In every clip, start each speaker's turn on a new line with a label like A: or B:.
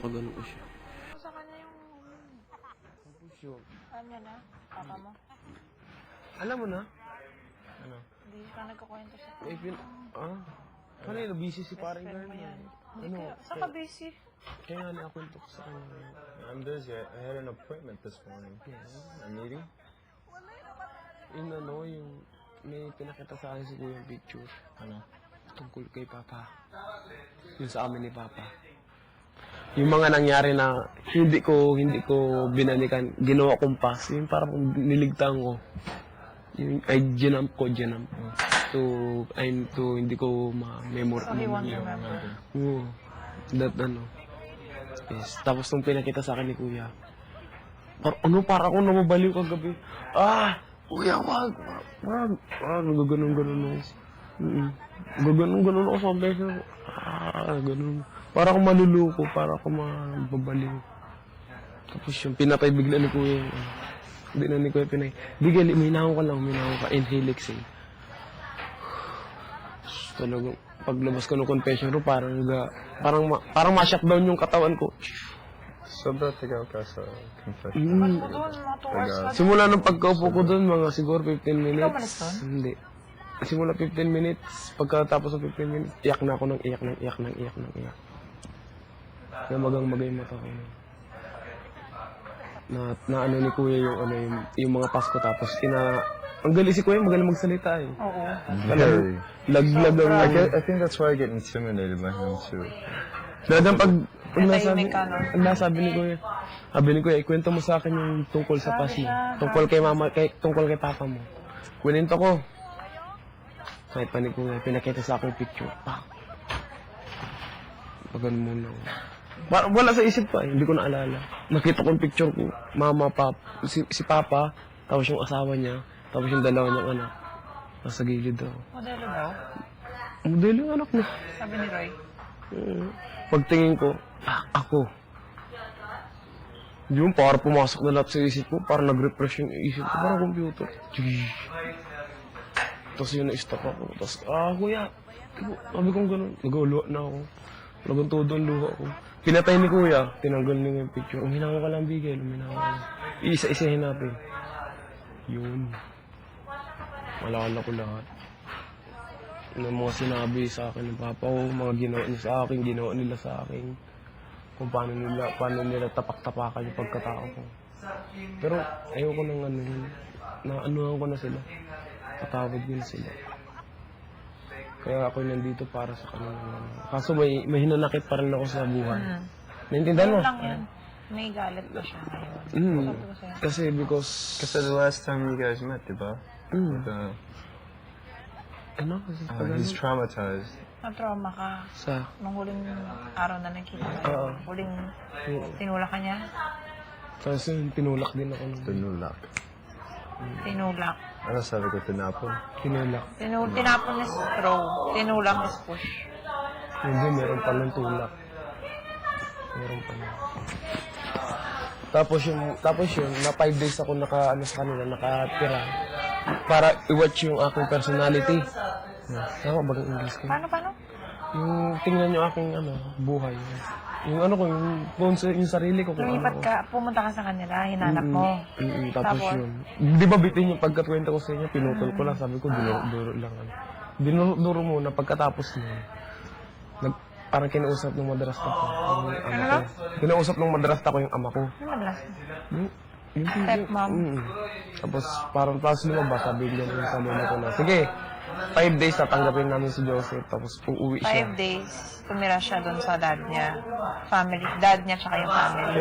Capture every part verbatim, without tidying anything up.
A: Pinapagano ko siya.
B: Sa kanya yung...
A: Tapos yun.
B: Alam niya na? Papa mo?
A: Alam mo na? Ano?
B: Hindi ka nagkakwento sa...
A: May pin... Ah? Kanina, busy si paring
B: friend mo
A: girl.
B: yan.
A: Ano?
B: Saan ka busy?
A: Kaya nga nakakwento ko sa kanya.
C: I'm busy. I had an appointment this morning. A meeting?
A: Yung ano, yung... May pinakita sa akin si Kuya yung picture.
C: Ano?
A: Tungkol kay Papa. Yung sa amin ni Papa. Yung mga nangyari na hindi ko hindi ko binalikan, ginawa kong pass, yung parang niligtaan ko. Yung ay ginamp ko, ginamp ko. So, I'm to hindi ko ma-memory.
B: So he won't remember.
A: Oo. That ano. Yes. Tapos nung pinakita sa akin ni Kuya, par ano, para akong namabaliw kagabi. Ah! Kuya, wag! Wag! Wag! Gaganon-ganon ako. Mm-mm. Gaganon-ganon ako sa beso. Ah, ganon. Para akong maluluko, para akong mababaliw. Tapos yung pinatay bigla ni Kuya. Uh, hindi na ni Kuya pinay. Di gali, minahaw ka lang, minahaw ka. Inhale, exhale. Talagang, paglabas ko ng confession room, parang ga, parang, ma, parang ma-shutdown yung katawan ko.
C: Sobrang tagal ka sa confession.
A: Mm.
B: Doon, mga two hours ka.
A: Simula nung pagkaupo ko doon, mga siguro fifteen minutes.
B: Ikaw malis doon?
A: Hindi. Simula fifteen minutes, pagkatapos ng fifteen minutes, iyak na ako ng iyak ng iyak ng iyak ng iyak. Kaya magang magay mata ko. Na, na ano ni Kuya yung ano yung, yung mga Pasko tapos ina ang galing si Kuya, magaling magsalita eh.
B: Oo.
C: Very.
A: Laglag ang
C: I, get, I think that's why I get intimidated by him too.
A: Dadang pag pag nasabi,
B: Tahimik ka, no?
A: ang nasabi ni Kuya, sabi ni Kuya, ikwento mo sa akin yung tungkol sa pas mo. Tungkol kay mama, kay, tungkol kay papa mo. Kwento ko. Kahit pa ni Kuya, pinakita sa akin yung picture. Pa. Pagan muna. Para, wala sa isip pa, eh. Hindi ko naalala. Nakita ko yung picture ko. Mama, pap, si, si papa, tapos yung asawa niya, tapos yung dalawa niyang anak. Nasa gilid daw.
B: Modelo daw?
A: Modelo yung anak niya.
B: Sabi ni Roy.
A: Mm. Pagtingin ko, ah, ako. Yung para pumasok na lahat sa isip ko, para nag-refresh yung isip ko, parang computer. Tapos yun na-stop ako. Tapos, ah, kuya. Sabi kong ganun. Nag-uluwa na ako. Lagang todo ang luha ko. Pinatay ni kuya, tinanggal niya yung picture. Uminawa ka lang, Bigel. Uminawa ka lang. Iisa-isahin natin. Yun. Malala ko lahat. Ng mga sinabi sa akin ng papa ko, mga ginawa niya sa akin, ginawa nila sa akin. Kung paano nila, paano nila tapak-tapakan yung pagkatao ko. Pero ayoko nang ano yun. Na-anuhan ko na sila. Patawad ko na sila. Kaya ako nandito para sa kanila. Kaso may, may hinanakit pa rin ako sa buhay.
B: Hmm.
A: Naintindihan mo?
B: Yun lang yan. May galit pa siya ngayon.
A: Mm.
B: Sabi ko sa'yo.
A: Kasi because...
C: Kasi the last time you guys met, diba?
A: Mm.
C: The,
A: Ano? Kasi
C: uh,
A: pag
C: he's
A: ano?
C: traumatized.
B: Na-trauma ka.
A: Sa...
B: Nung huling araw na nakita ka.
A: Oo.
B: Huling
A: Oo.
B: tinulak ka niya.
A: Kasi tinulak din ako. ng-
C: Tinulak.
B: Tinulak.
C: Ano sabi ko, tinapon?
A: Tinulak.
B: Tinul tinapon is throw. Tinulak is push.
A: Hindi, meron pa ng tulak. Meron pa ng... Tapos yung, tapos yun, na five days ako naka, ano sa kanila, nakatira. Para i-watch yung aking personality. Tama ba ang English ko?
B: Paano, paano?
A: Yung tingnan yung aking, ano, buhay. Yung ano ko, yung, yung, yung sarili ko. Kung
B: Lumipat
A: ano.
B: ka, pumunta ka sa kanila, hinanap mo.
A: Mm-mm, tapos,
B: Tapos?
A: yun. Di ba bitin yung pagkatwenta ko sa inyo, pinutol ko lang, sabi ko, dinuro-duro lang. Ano. Dinuro muna, pagkatapos nun, nag, parang kinausap ng madrasta ko. Yung ama ko. Kinausap ng madrasta ko yung ama ko.
B: Ano madalas?
A: Yung, yung,
B: Stepmom.
A: Mm. Tapos parang tapos lumabas, sabi niya yung sa muna ko na, sige, five days tatanggapin namin si Joseph, tapos uuwi siya.
B: Five days, tumira siya doon sa dad niya. Family, dad niya tsaka yung family.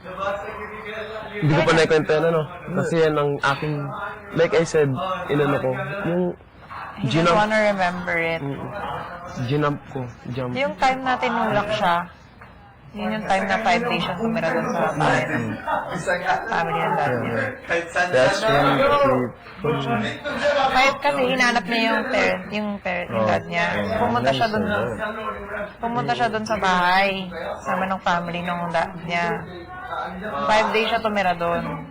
A: Hindi ko pa naikwento yan, ano? Kasi yan ang aking, like I said, inano ko, yung
B: He doesn't
A: ginamp,
B: wanna remember it.
A: mm, ginamp ko, jump.
B: Yung time na tinulak siya, yun yung time na five days siya tumira doon sa bahay ng family ng dad niya.
C: That's when he...
B: Kahit kasi hinanap niya yung parent, yung parent, yung dad niya. Pumunta siya doon, pumunta siya doon sa bahay, sama ng family ng dad niya. Five days siya tumira doon.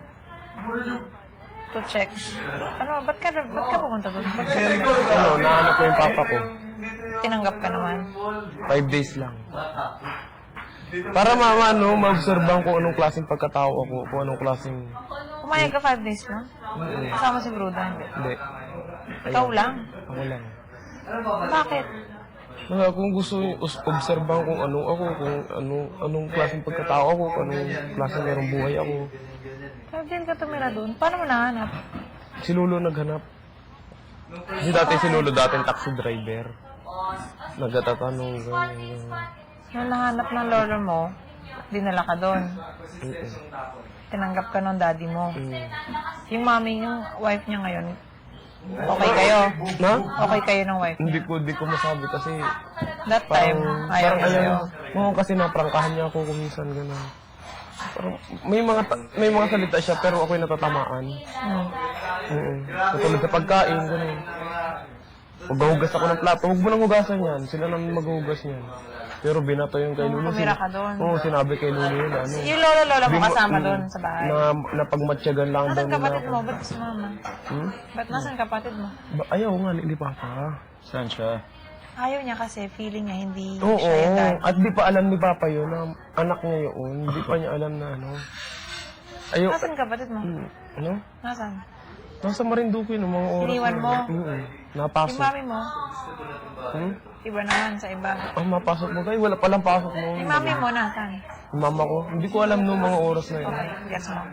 B: To check. Ano, ba't ka, ba't ka pumunta doon? Ba't ka
A: Ano, nahanap ko yung papa ko.
B: tinanggap ka naman?
A: Five days lang. Para ma, ano, ma-obserban kung anong klaseng pagkatao ako, kung anong klaseng...
B: Pumayag ka five days lang? Kasama si Bruda, hindi.
A: Hindi.
B: Ikaw lang?
A: Ako lang.
B: Bakit?
A: Mga kung gusto yung us- obserban kung anong ako, kung anong, anong klaseng pagkatao ako, kung anong klaseng merong buhay ako.
B: Five days ka tumira doon. Paano mo nahanap?
A: Si Lolo naghanap. Kasi dati si Lolo, dati taxi driver. Nagtatanong, ganyan, ganyan.
B: Nung nahanap ng lolo mo, dinala ka doon.
A: Mm-mm.
B: Tinanggap ka ng daddy mo.
A: Mm.
B: Yung mami, yung wife niya ngayon, okay kayo?
A: Na?
B: Okay kayo ng wife
A: Hindi
B: niya?
A: ko, hindi ko masabi kasi
B: That time,
A: parang,
B: ayaw
A: parang
B: niya sa'yo.
A: ayaw. Oo, kasi naprangkahan niya ako kuminsan, gano'n. Parang, may mga, ta- may mga salita siya, pero ako'y natatamaan.
B: Hmm.
A: Oo. Katulad sa pagkain, gano'n. Maghuhugas ako ng plato, huwag mo nang hugasan yan. Sila nang maghuhugas niyan. Pero binato yung kay Lulu.
B: Pumira ka doon.
A: Oo, sinabi kay Lulu yun, ano.
B: Yung lolo-lola mo
A: Di mo-
B: kasama
A: mm,
B: doon sa bahay.
A: Na, napagmatyagan lang daw
B: Nasaan
A: nila
B: kapatid
A: ako.
B: mo? Ba't si mama?
A: Hmm?
B: Ba't nasaan kapatid mo?
A: Ba, ayaw nga, hindi pa pa.
C: Saan siya?
B: Ayaw niya kasi, feeling niya hindi
A: Oo,
B: siya yung dad.
A: at di pa alam ni Papa yun na anak niya yun. Hindi pa niya alam na ano. Ayaw,
B: Nasaan kapatid mo?
A: Hmm, ano?
B: Nasaan?
A: Nasa Marinduque ng mga oras.
B: Iniwan
A: na-
B: mo?
A: Mm,
B: Yung
A: napasok.
B: mami mo,
A: Hmm?
B: iba naman sa iba.
A: Ah, mapasok mo kayo? Wala palang pasok noon.
B: Yung mami mo, nasaan?
A: Yung mama ko, hindi ko alam noong mga oras na yun.
B: Okay, gets mo.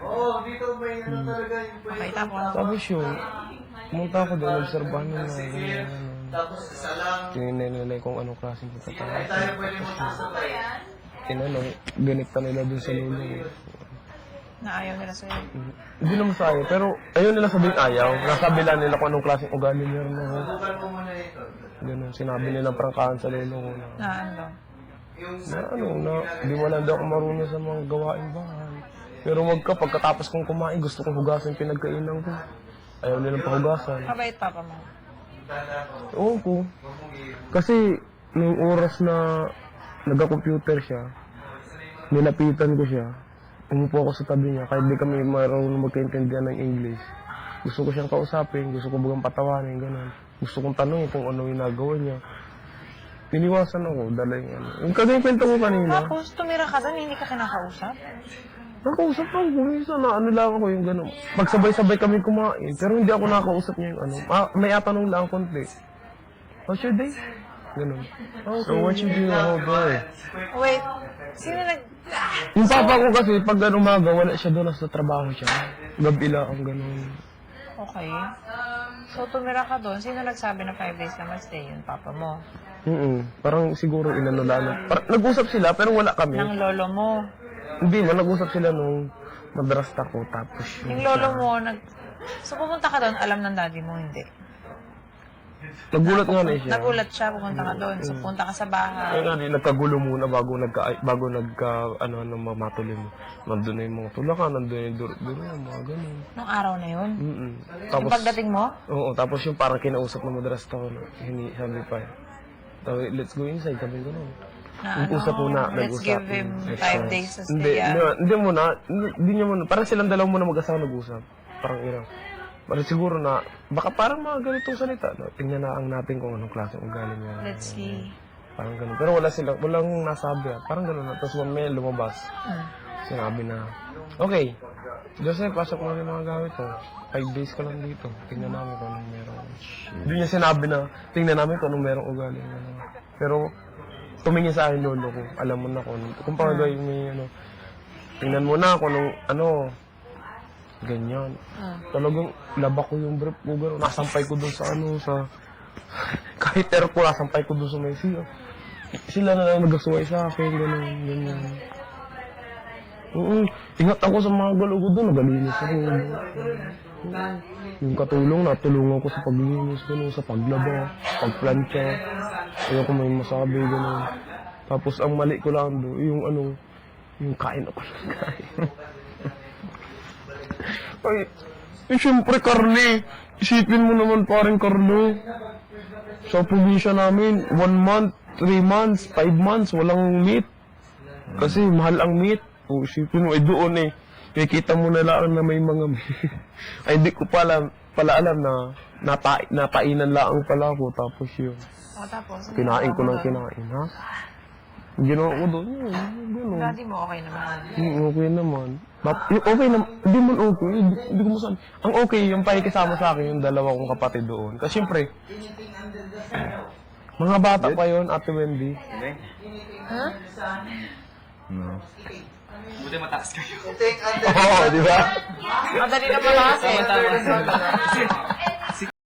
B: Okay, tapos.
A: Tapos yun, pumunta ako doon, obserbahan nila. ganyan, ano. Tinignan nila kung anong klaseng pagkatao. Tinanong, ganita nila doon sa lolo.
B: Na ayaw nila sa'yo.
A: Mm. Hindi naman sa ayaw, pero ayaw nila sabihin ayaw. Nasabi lang nila kung anong klaseng ugali niya rin ako. Ganun, sinabi nilang prangkahan sa lolo ko na,
B: Na ano?
A: na ano, na di mo lang daw ako marunong sa mga gawain bahay. Pero wag ka, pagkatapos kong kumain, gusto kong hugasan yung pinagkainan ko. Ayaw nilang pahugasan.
B: Mabait papa mo.
A: Oo po. Kasi, nung oras na nagka-computer siya, nilapitan ko siya, umupo ako sa tabi niya, kahit di kami marunong magkaintindihan ng English. Gusto ko siyang kausapin, gusto ko bagang patawanin, gano'n. Gusto kong tanongin kung ano yung nagawa niya. Tiniwasan ako, dala yung ano. Yung kagaya kwento ko kanina,
B: Tapos, tumira ka doon, hindi ka kinakausap?
A: nakausap ako, kumisa na ano lang ako yung gano'n. Pagsabay-sabay kami kumain, pero hindi ako nakausap niya yung ano. Ah, may atanong lang konti. How's your day? Gano'n. Okay.
C: So what you do the whole day?
B: Wait, sino nag...
A: Yung papa ko kasi, pag ano umaga, wala siya doon, nasa trabaho siya. Gabi lang ang gano'n.
B: Okay. So, tumira ka doon, sino nagsabi na five days ka mag-stay? Yung papa mo.
A: Mm Parang siguro inano lang. Parang nag-usap sila, pero wala kami.
B: Ng lolo mo.
A: Hindi man, nag-usap sila nung madrasta ko, tapos
B: Yung lolo mo, nag... So, pumunta ka doon, alam ng daddy mo, hindi.
A: Nagulat nga na siya.
B: Nagulat siya, pumunta ka doon. So, punta ka sa
A: Ay
B: bahay.
A: nga, di, nagkagulo muna bago nagka, ay, bago nagka, ano, ano, mamatuloy mo. Nandun na yung mga tulakan, nandun yung duro-duro, mga ganun.
B: Nung araw na yun.
A: Mm
B: Yung
A: Tapos,
B: pagdating mo,
A: oo, tapos yung parang kinausap ng madrasta ko, na, hini, sabi pa, Tawi, let's go inside, sabi ko nun.
B: na ano,
A: Nag-usap muna,
B: let's
A: nag-usap.
B: give him
A: Let's
B: five
A: go.
B: days to
A: Hindi,
B: stay.
A: hindi,
B: ah.
A: hindi muna, hindi, hindi niya muna, parang silang dalawa muna mag-asawa nag-usap. Parang irang. Parang siguro na, baka parang mga ganitong salita, no? Tingnan na ang natin kung anong klaseng ugali niya.
B: Let's see.
A: Parang ganun. Pero wala silang, walang nasabi ah. Parang ganun na. Tapos mamaya lumabas.
B: Hmm.
A: Sinabi na, okay, Joseph, pasok mo yung mga gamit mo. Five days ka lang dito. Tingnan namin kung anong meron. Hindi niya sinabi na, tingnan namin kung anong merong ugali. Ano. Pero, tumingin sa akin lolo ko. Alam mo na kung, kung pa gawin may ano, tingnan mo na kung anong, ano, ganyan.
B: Hmm.
A: Talagang labak ko yung brief ko, gano'n. Nasampay ko dun sa ano, sa... Kahit airport, nasampay ko dun sa may siya. Sila na lang nagasuway sa akin, gano'n, ganyan. Oo, ingat ako sa mga galaw ko dun, nagalinis ako. Oo. Yung katulong, natulungan ko sa paglinis, gano'n, sa paglaba, pagplantsa. Ayoko may masabi, gano'n. Tapos ang mali ko lang doon, yung ano, yung kain ako ng kain. Ay, eh, siyempre, karne. Isipin mo naman paring karne. Sa probinsya namin, one month, three months, five months, walang meat. Kasi mahal ang meat. O, isipin mo, eh doon eh. Nakikita mo na lang na may mga meat. Ay, hindi ko pala, pala alam na napa, napainan lang pala ako. Tapos yun,
B: O, tapos? ano
A: kinain ko
B: ginawa
A: ng
B: mo doon?
A: kinain, ha? Ginawa ko doon, yun, gano'n.
B: Daddy mo okay naman.
A: Hmm, okay naman. But, yung okay naman, hindi man okay, hindi, hindi ko masabi. Ang okay, yung pakikisama sa akin, yung dalawa kong kapatid doon. Kasi syempre, mga bata pa yun, Ate Wendy.
B: Huh?
C: No.
D: Buti mataas kayo.
A: Oo, di ba?
B: Madali na pala kasi.